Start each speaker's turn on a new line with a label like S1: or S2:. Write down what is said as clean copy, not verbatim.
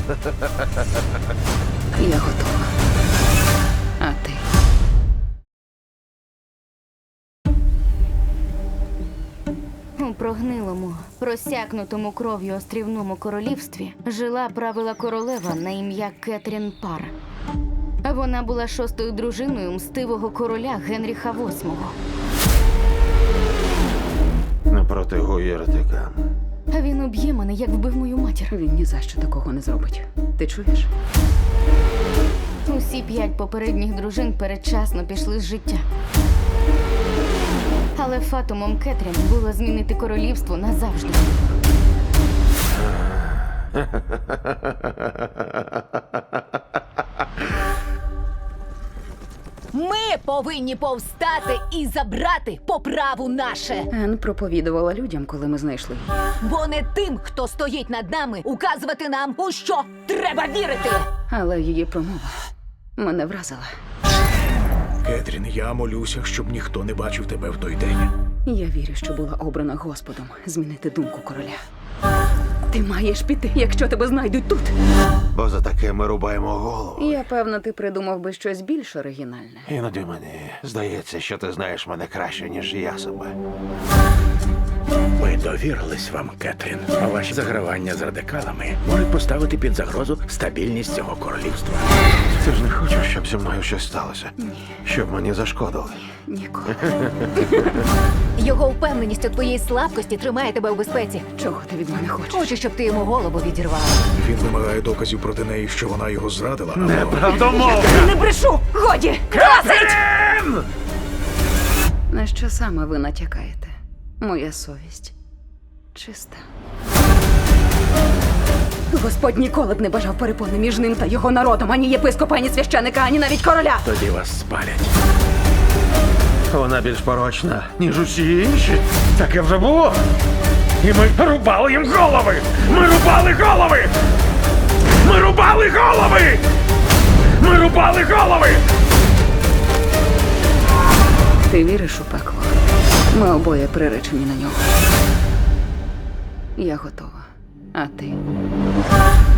S1: Я готова. А ти?
S2: У прогнилому, просякнутому кров'ю острівному королівстві жила правила королева на ім'я Кетрін Пар. Вона була шостою дружиною мстивого короля Генріха VIII.
S3: Напроти єретика.
S2: Він уб'є мене, як вбив мою матір.
S1: Він ні за що такого не зробить. Ти чуєш?
S2: Усі 5 попередніх дружин передчасно пішли з життя. Але фатумом Кетрін було змінити королівство назавжди.
S4: Ми повинні повстати і забрати по праву наше.
S1: Ен проповідувала людям, коли ми знайшли її.
S4: Бо не тим, хто стоїть над нами, указувати нам, у що треба вірити.
S1: Але її промова мене вразила.
S5: Кетрін, я молюся, щоб ніхто не бачив тебе в той день.
S1: Я вірю, що була обрана Господом змінити думку короля. Ти маєш піти, якщо тебе знайдуть тут.
S3: Бо за таке ми рубаємо голову.
S1: Я певна, ти придумав би щось більш оригінальне.
S3: Іноді мені здається, що ти знаєш мене краще, ніж я себе.
S5: Ми довірились вам, Кетрін. А ваші загравання з радикалами можуть поставити під загрозу стабільність цього королівства.
S3: Ти ж не хочеш, щоб зі мною щось сталося? Щоб мені зашкодили?
S1: Ніколи.
S4: Його впевненість у твоїй слабкості тримає тебе у безпеці.
S1: Чого ти від мене хочеш?
S4: Хочу, щоб ти йому голову відірвала.
S5: Він вимагає доказів проти неї, що вона його зрадила.
S3: Неправдомовка!
S4: Не брешу! Годі!
S1: На що саме ви натякаєте? Моя совість чиста. Господь ніколи б не бажав перепони між ним та його народом, ані єпископа, ані священика, ані навіть короля.
S5: Тоді вас спалять.
S3: Вона більш порочна, ніж усі інші. Таке вже було. І ми рубали їм голови! Ми рубали голови! Ми рубали голови! Ми рубали голови!
S1: Ти віриш у пекло? Ми обоє приречені на нього. Я готова. А ти?